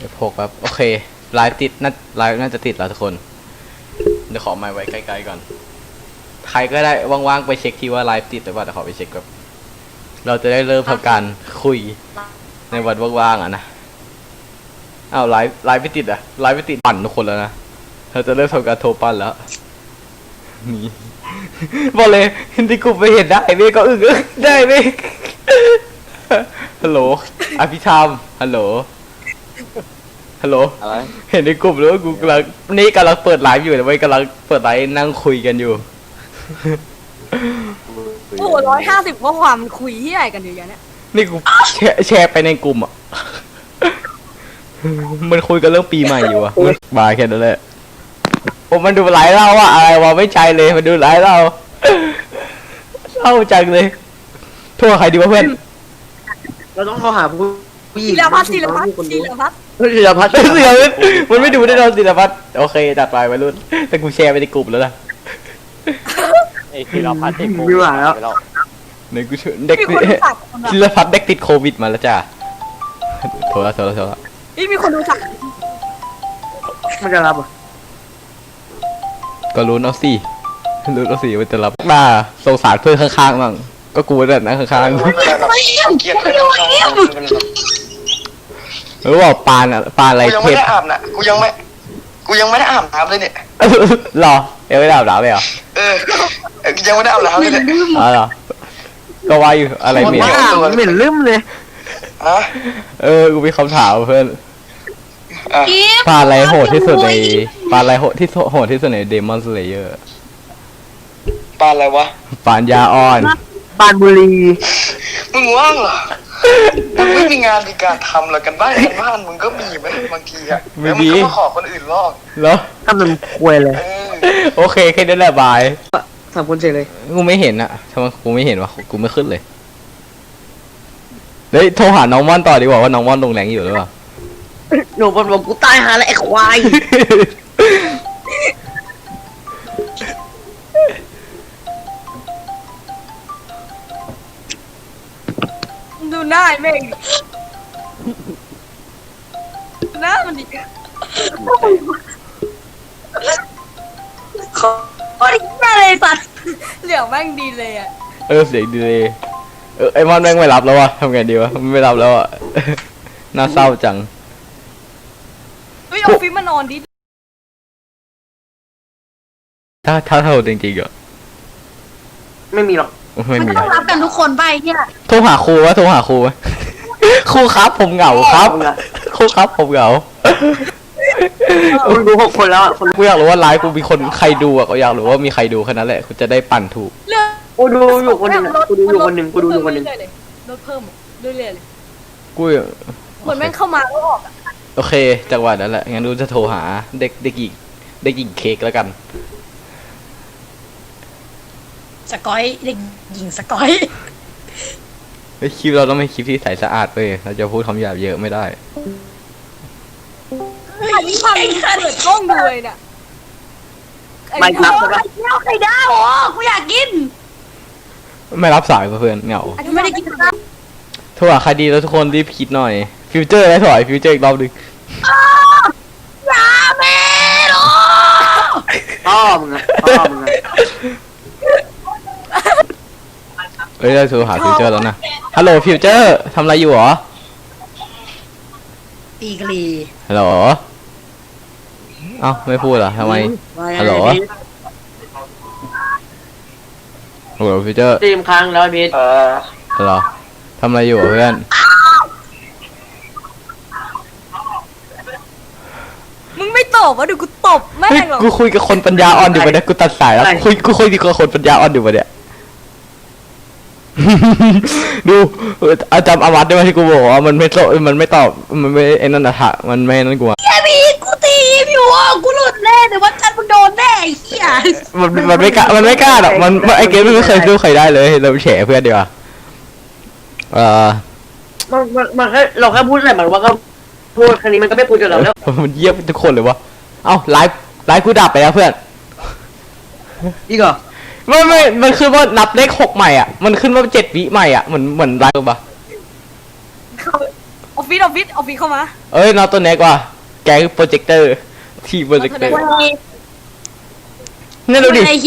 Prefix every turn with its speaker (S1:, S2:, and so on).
S1: F6 ครับโอเคไลฟ์ติดไลฟ์น่าจะติดแล้วทุกคนเดี๋ยวขอไมค์ไว้ใกล้ๆก่อนใครก็ได้ว่างๆไปเช็คที่ว่าไลฟ์ติดหรือเปล่าเดี๋ยวขอไปเช็คครับเราจะได้เริ่มทำการคุยในวันว่างๆอ่ะนะอ้าวไลฟ์ไม่ติดอ่ะไลฟ์ไม่ติดปั่นทุกคนแล้วนะเราจะเริ่มทำการโทรปั่นแล้วนี่บอกเลยที่กูไปเห็นได้เมฆก็อึ้งได้เมฆฮัลโหลอภิธรรมฮัลโหล
S2: อะไร
S1: เห็นในกลุ่มหรือว่ากูกำลังเปิดไลฟ์อยู่แต่ไม่กำลังเปิดไลฟ์นั่งคุยกันอยู่
S3: โอ้โห150ข้อความคุยที่ไหนกันอยู่อย่างเนี้ย
S1: นี่กูแชร์ไปในกลุ่มอ่ะมันคุยกันเรื่องปีใหม่อยู่อ่ะบายแค่นั้นแหละผมมันดูไลฟ์เราอะอะไรวะไม่ใจเลยมันดูไลฟ์เราเศร้าจังเลยโทษใครดีวะเพื่อน
S2: เราต้องโทรหาผู้หญิง
S3: ศิลพัฒน์
S2: ศิลพัฒน์
S1: มันไม่ดูได้เราศิลพัฒน์โอเคจัดไปวัยรุ่นแต่กูแชร์ไปในกลุ่มแล้วนะ
S4: ไอ้ศิลพัฒน์เด็กโควิด
S2: ไม่ไหวแล้ว
S1: เนี่ยกูเด็กศิลพัฒน์เด็กติดโควิดมาแล้วจ้าโทรแล้ว
S3: นี่มีคนดูสัก
S2: มันจะรับอ่ะ
S1: ก็รู้เอาสิมันจะรับมาสงสารเพื่อนข้างๆบ้างก็กูนั่นนะข้างๆหรือว่าปานอะไร
S5: กูยัง
S1: เท
S5: ไม่
S1: พ
S5: ได้อาบนะกูยังไม่ได้อาบน้ำเลยเนี่ย
S1: หรอยังไม่ได้อาบน้ำเลยเหรอ
S5: ยังไม่ได้อาบน้ำเลยเนี่ย
S1: อ๋อเหรอก็ว่าอยู่อะไรเหม็น
S2: เหม็นลืมเลย
S5: ฮะ
S1: กูมีคำถามเพื่อน
S5: อ่ะ
S1: ปลาอะไรโหดที่สุดในปลาอะไรโหดที่สุดในเดมอนสเลเยอร์
S5: ปานอะไรวะ
S1: ปานยาอ่อน
S2: ปานบุรี
S5: มึงว่างเหรอมึงไม่มีงานมีการทำหรอกันบ้านมึงก็มีไหมบางทีอะแล้วมึงก็มาขอคนอื่นลอก
S1: เหรอ
S2: ทำเป็นควยเลย
S1: โอเคแค่นั้นแหละบาย
S2: สามคนเฉยเลย
S1: กูไม่เห็นอะทำไมกูไม่เห็นวะกูไม่ขึ้นเลยเฮ้ยโทรหาน้องม่อนต่อดีกว่าว่าน้องม่อนลงแรงอยู่หรือเปล่า
S2: หนูบอกกูตายหาแล้วไอ้ควาย
S3: ดูหน้าไอ้เมฆหน้ามันดิโคตรแย่เลยสัตว์เหลืองแม่งดีเลยอ่ะ
S1: เสียงดีเลยไอมอนแม่งไม่รับแล้ววะทำไงดีวะไม่รับแล้วอะน่าเศร้าจัง
S3: เฮ้ยเอาฟิล์มมานอนดิ
S1: ถ้าเท่าจริงๆอะ
S2: ไม่มีหรอก
S1: ไม่มี
S3: ต้องรับกันทุกคนไปเนี่ย
S1: โทรหาครูวะครูครับผมเหงาครับครูครับผมเหงา
S2: คนดู6 คนแล้วคน
S1: กูอยากรู้ว่าไลฟ์กูมีคนใครดูอะก็อยากรู้ว่ามีใครดูแค่นั้นแหละกูจะได้ปั่นถูก
S3: เรื่อง
S2: กูดูอยู่คนหนึ่งกูดูอยู่คนหนึ่ง
S3: ลดเพิ่มเรื่อยๆเลย
S1: กู
S3: เหมือนแม่งเข้ามาแล้วออก
S1: โอเคจังหวะนั้นแหละงั้นดูจะโทรหาเด็กหญิงเค้กแล้วกัน
S3: สกอยเด็กหญิงสกอย
S1: คลิปเราต้องเป็นคลิปที่ใสสะอาดเว้ยเราจะพูดคำหยาบเยอะไม่ได้
S3: อันนี้ความเปิดกล้องดูเลยเนี่ย
S2: ไม่รับใช่ปะ
S3: ไข่ดาวอ๋อกูอยากกิน
S1: ไม่รับสายเพื่อนเหงา
S3: อันนี้ไม่ได้กินข้าว
S1: โทรหาใครดีแล้วทุกคนรีบคิดหน่อยฟิวเจอร์ได้ถอยฟิวเจอร์อีกรอบนึง
S3: ยาเมโล
S2: พ่อมึงอะ
S1: เอ้ยได้โทรหาฟิวเจอร์แล้วนะฮัลโหลฟิวเจอร์ทำอะไรอยู่หรอ
S3: ตีกรี
S1: ฮัลโหลเอ้าไม่พูดเหรอทำไม ฮัลโหล ฮัลโหลฟิวเจอร์
S2: ตีมครั้งแล้วพีท
S1: ฮัลโหลทำอะไรอยู่เพื่อน
S3: มึงไม่ตอบวะดูกูตบแม่
S1: เฮ้ย
S3: งหรอก
S1: กูคุยกับคนปัญญาอ่อนอยู่ปะเนี่ยกูตัดสายแล้วกูคุยกับคนปัญญาอ่อนอยู่ปะเนี่ย ดูอาจารย์อาวัตได้ไหมที่กูบอกว่ามันไม่ตอบมันไม่ไอ้นั่นนะฮะมันไม่นั่นกูอะ
S3: แค่มีกูตีมอยู่อ่ะกูหลุดแน่แต่ว่าจันมึงโดนแน่ไอ้เหี้ย
S1: มันไม่กล้าหรอกมันไอ้เกมไม่เคยสู้ใครได้เลยเราแฉเพื่อนดีกว่า
S2: มันแค่เราแค่พูดอะไรมันว่าก็พูดครั้งนี้มันก็ไม่พูดกับเราแล้ว
S1: มันเยี่ยมทุกคนเลยวะเอ้าไลฟ์กูดับไปแล้วเพื่อน
S2: อีกเหรอ
S1: มันขึ้นว่านับเลข6ใหม่อ่ะมันขึ้นว่า7 วิใหม่อ่ะเหมือนไลฟ์ปะ
S3: ออฟฟิศเข้ามา
S1: เอ้ยนอนตัวไหนกว่าแกคือโปรเจคเตอร์ที่โปรเจคเตอร์
S3: เว้ย
S1: นี่ดูดิ
S3: ไอ้